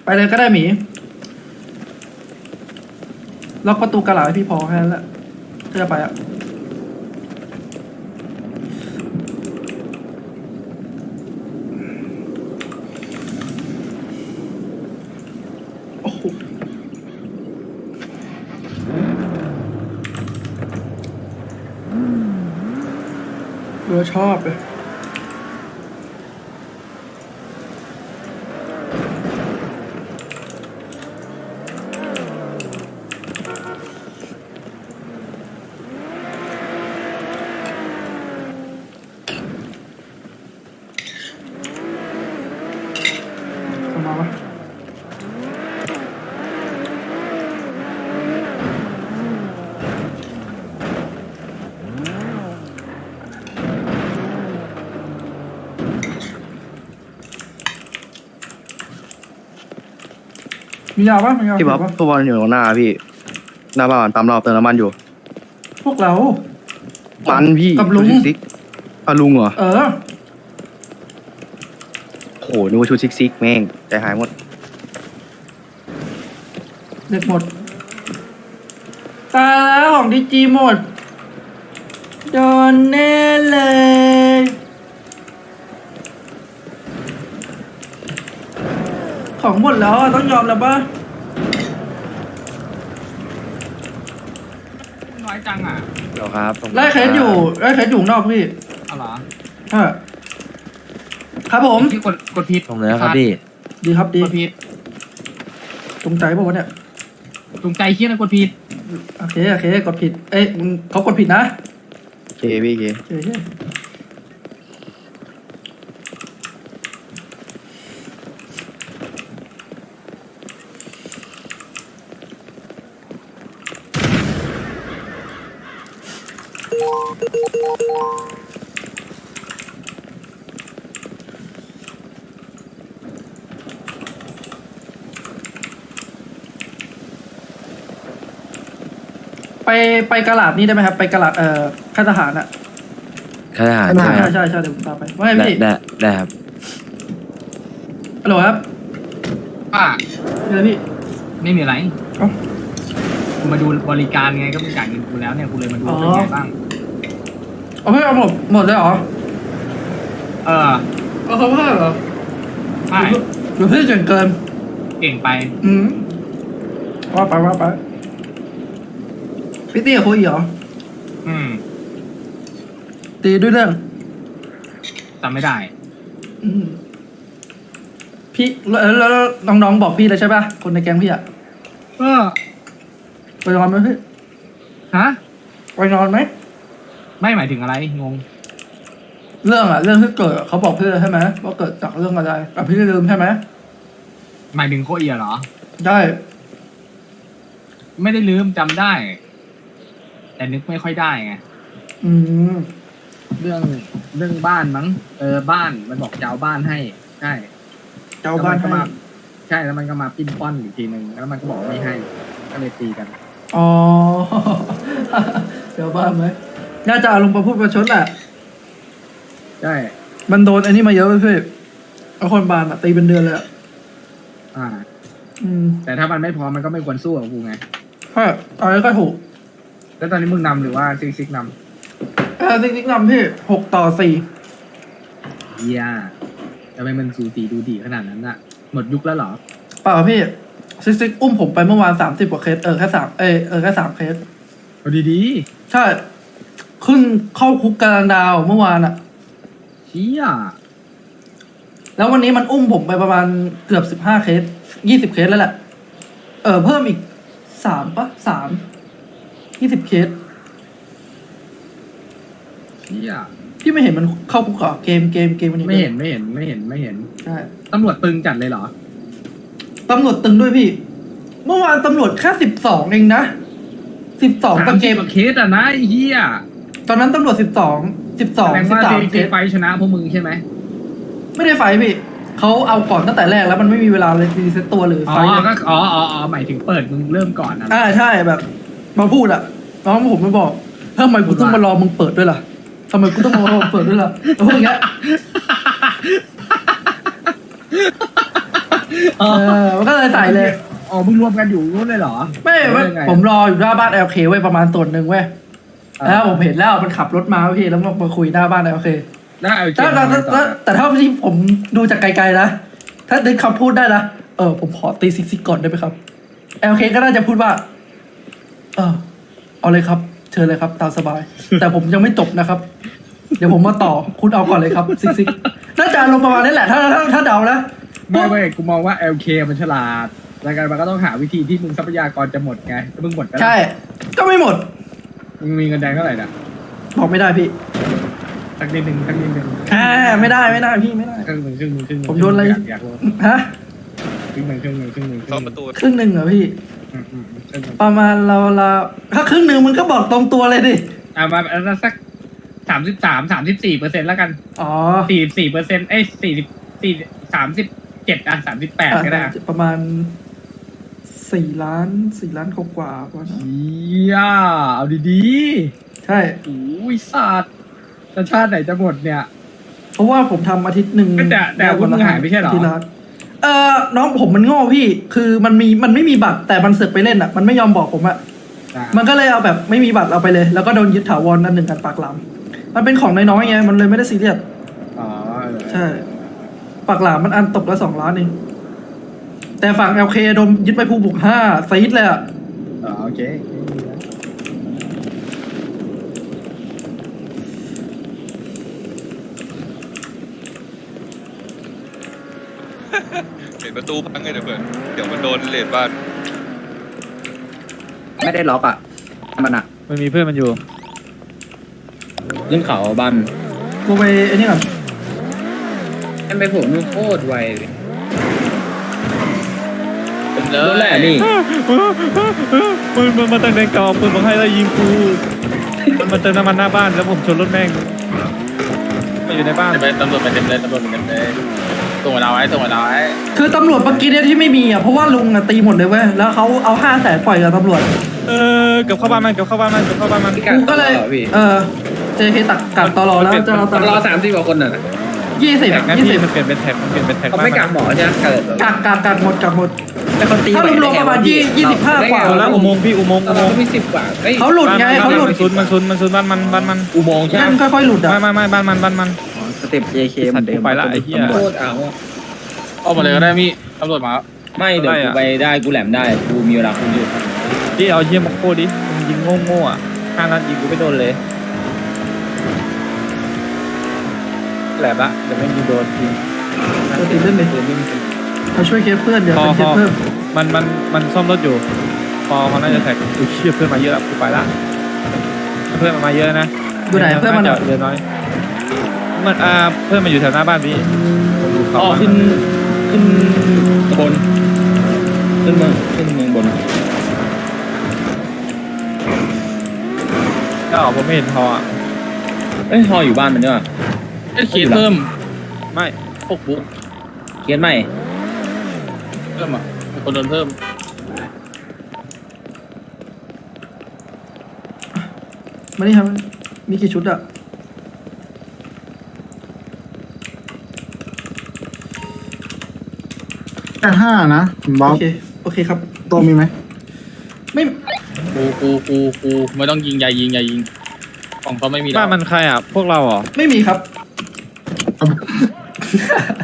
ไปเลยก็ได้หมีล็อกประตูกระหล่ำให้พี่พอแค่นั้นแหละก็จะไปอ่ะโอ้โหเราชอบเลยมาปะมียาปะมียาพี่บ๊อบปะพวกบอลอยู่ตรงหน้าพี่หน้าบ้านปั๊มเราเติมน้ำมันอยู่พวกเรามันพี่กับลุงชุดซิกลุงเหรอเออโหนึกว่าชุดซิกแม่งใจหายหมดเด็กหมดตายแล้วของดีจีหมดโดนแน่เลยของหมดแล้วอะต้องยอมแล้วปะน้อยจังอ่ะเดี๋ยวครับไล่เคสอยู่ข้างนอกพี่เอาเหรอใช่ครับผมที่กดผิดตรงนี้ครับพี่ดีครับดีกดผิดตรงใจป่าวะเนี่ยตรงใจเคี้ยนะกดผิดโอเคกดผิดเอ้ยมึงเขากดผิดนะโอเคพี่โอเคโอเคไปกระหลาดนี่ได้ไหมครับ ไปกระหลาดค่ายทหารอะข้าทหารใช่ใช่ครับใช่เดี๋ยวผมพาไปว่าไงได้พี่ได้ครับฮัลโหลครับป้ามีอะไรพี่ไม่มีอะไรเอ้ากูมาดูบริการไงก็มึงจ่ายเงินกูแล้วเนี่ยกูเลยมาดูอ๋อเป็นไงบ้างเอาเพิ่มเอาหมดเลยเหรอเออเอาเขาเพิ่มเหรอใช่หรือพี่เก่งเกินเก่งไปว่าไปพี่ตีกับโคอีเหรออืมตีด้วยเรื่องจำไม่ได้อืมพี่แล้วน้องๆบอกพี่เลยใช่ป่ะคนในแก๊งพี่อะเออไปนอนไหมพี่ฮะไปนอนไหมไม่หมายถึงอะไรงงเรื่องที่เกิดเขาบอกพี่เลยใช่ไหมว่าเกิดจากเรื่องอะไรแต่พี่ลืมใช่ไหมหมายถึงโคเอียเหรอได้ไม่ได้ลืมจำได้ แต่นึกไม่ค่อยได้ไงอืมเรื่องบ้านมั้ง บ้านมันบอกจะเอาบ้านให้ ใช่เจ้าบ้านแล้วให้มันก็มาใช่แล้วมันก็มาปิ้นป้อนอีกทีหนึ่งแล้วมันก็บอกไม่ให้ ก็เลยตีกันอ๋อ เจ้าบ้านไหมน่าจะอารมณ์ประพูดประชดแหละใช่มันโดนอันนี้มาเยอะไปพี่เอาคนบานอะตีเป็นเดือนเลยอะอ่าอืมแต่ถ้ามันไม่พอมันก็ไม่ควรสู้กับกูไงใช่เอาแล้วก็ถูกแล้วตอนนี้มึงนำหรือว่าซิกนจริงๆนำพี่6-4 ำเฮียทำไมมันสูสีดูดีขนาดนั้นอะหมดยุคแล้วเหรอเปล่าพี่ซิกอุ้มผมไปเมื่อวาน30 กว่าเคสแค่3เคสเอาดีใช่ขึ้นเข้าคุกการันดาวเมื่อวานอะๆเฮียแล้ววันนี้มันอุ้มผมไปประมาณเกือบ15 เคส20 เคสแล้วแหละเพิ่มอีก20 เคสเฮียพี่ไม่เห็นมันเข้าคุกเหรอเกมวันนี้ไม่เห็นใช่ตำรวจตึงจัดเลยเหรอตำรวจตึงด้วยพี่ เมื่อวานตำรวจแค่12เองนะ12ต่อเกม 30เคสอะนะไอ้เฮียตอนนั้นตำรวจ12 แสดงว่า 13 เคซีสไฟชนะพวกมึงใช่ไหมไม่ได้ไฟท์พี่เขาเอาก่อนตั้งแต่แรกแล้วมันไม่มีเวลาเลยรีเซ็ตตัวหรืออ๋ไฟอท์เลยก็หมายถึงเปิดมึงเริ่มก่อนนะใช่แบบมาพูดอะน้องผมมาบอกทำไมกูต้องมารอมึงเปิดด้วยล่ะทำไมกูต้องมารอมึงเปิดด้วยล่ะแล้วพวกอย่างเงี้ยมันก็เลยใส่เลยอ๋อมึงรวมกันอยู่นู้นเลยเหรอไม่ผมรออยู่หน้าบ้าน LK ไว้ประมาณตนหนึ่งเว้ยแล้วผมเห็นแล้วมันขับรถมาพี่แล้วมาคุยหน้าบ้าน LK ได้เอาเกแต่เท่าที่ผมดูจากไกลๆนะถ้าดึงคำพูดได้นะผมขอตีซิกก่อนได้ไหมครับ LK ก็น่าจะพูดว่าเอาเลยครับเชิญเลยครับตามสบาย แต่ผมยังไม่จบนะครับ เดี๋ยวผมมาต่อคุณเอาก่อนเลยครับซิกน่าจะลงประมาณนี้แหละถ้าเดานะไม่กูมองว่า LK มันฉลาดรายการมันก็ต้องหาวิธีที่มึงทรัพยากรจะหมดไงถ้ามึงหมดก็ได้ใช่ ก็ไม่หมดมึงมีเงินแดงเท่าไหร่น่ะบอกไม่ได้พี่สักนิดนึงไม่ได้พี่ไม่ได้ครึ่งหนึ่งผมโดนอะไรอยากรู้ฮะครึ่งหนึ่งเข้าประตูครึ่งหนึ่งเหรอพี่ครึ่งหนึ่งประมาณเราถ้าครึ่งหนึ่งมึงก็บอกตรงตัวเลยดิมาแล้วสัก34%แล้วกันอ๋อ 44%37ก็ได้ประมาณ4 ล้านกว่าๆประมาณนั้นเฮียเอาดีใช่ๆโอ้ยสัตว์ชาติไหนจะหมดเนี่ยเพราะว่าผมทำอาทิตย์หนึ่งแต่อาวุธมึงหายไม่ใช่เหรอที่ร้านน้องผมมันโง่พี่ คือมันไม่มีบัตรแต่มันเสือกไปเล่นอ่ะ มันไม่ยอมบอกผมอ่ะ มันก็เลยเอาแบบไม่มีบัตรเอาไปเลย แล้วก็โดนยึดถาวรนั่นหนึ่งกันปากหลามมันเป็นของน้อยๆไงมันเลยไม่ได้ซีเรียสอ๋อใช่ ปากหลามมันอันตกละ2 ล้านเองแต่ฝั่ง LK โดนยึดไปภูบุก5ซีดเลยอ่ะโอเคเห็นประตูพังไงเดี๋ยวเพื่อนเดี๋ยวมันโดนเลดบ้านไม่ได้ล็อกอ่ะมันอ่ะมันมีเพื่อนมันอยู่ขึ้นเขาบันกูไปไอ้นี่ก่อนแอมไปผมมันโคตรไวเลยรู้แหละนี่มันตั้งแดงเก่าปืนมาให้แล้วยิงกูมันเติมน้ำมันหน้าบ้านแล้วผมชนรถแม่งมาอยู่ในบ้านตำรวจไปเต็มเลยตำรวจไปเต็มเลยส่งเราไว้คือตำรวจเมื่อกี้เนี่ยที่ไม่มีอ่ะเพราะว่าลุงอ่ะตีหมดเลยเว้ยแล้วเขาเอา500,000ปล่อยกับตำรวจเกับเข้าบ้านมันกูกูก็เลยเจเคกักตลอแล้วจะเราตลรออ30 กว่าคนน่ะ 20 แท็กนะยี่พี่สิบมันเปลี่ยนเป็นแท็กเขาไม่กักหมอใช่ไหมเกิดกักหมดแต่คนตีถ้ารวมๆประมาณ25 กว่าแล้วอุโมงค์พี่อุโมงค์เรามี10 กว่าเขาหลุดไงเขาหลุดมันซุนบ้านมันอุโมงค์ใช่ไหมนั่นค่อยๆหลุดอ่ะไม่บ้านมันสเต็ป JK เหมือนเดิมไปละไอ้เหี้ยโคตรเอาเอามาเลยก็ได้พี่ตำรวจมาไม่เดี๋ยวกูไปได้กูแหลมได้กูมีเวลาคุณอยู่พี่เอาเยี่ยมมาโคดิมึงยิงโง่อ่ะ5 นัดยิงกูไม่โดนเลยแหลมละเดี๋ยวไม่ยิงโดนยิงจะติดเล่นเลยเขาช่วยเคสเพื่อนเดี๋ยวเป็นเคสเพิ่มมันซ่อมรถอยู่พอเขาน่าจะแท็กกูเชื่อเพื่อนมาเยอะกูไปละเพื่อนมาเยอะนะอยู่ไหนเพื่อนมันเยอะน้อยมันเพื่อนมาอยู่แถวหน้าบ้านพี่ขึ้นบนขึ้นเมืองบนก็ผมไม่เห็นพอฮออยู่บ้านมันด้วยเขียนเพิ่มไม่พวกบุ๊กเขียนใหม่เพิ่มอ่ะมีคนโดนเพิ่มมานี่ครับมีกี่ชุดอ่ะแต่5 นะบ๊อบโอเคครับตัวมีไหมไม่กูไม่ต้องยิงอย่ายิงของเขาไม่มีบ้านมันใครอ่ะพวกเราเหรอไม่มีครับ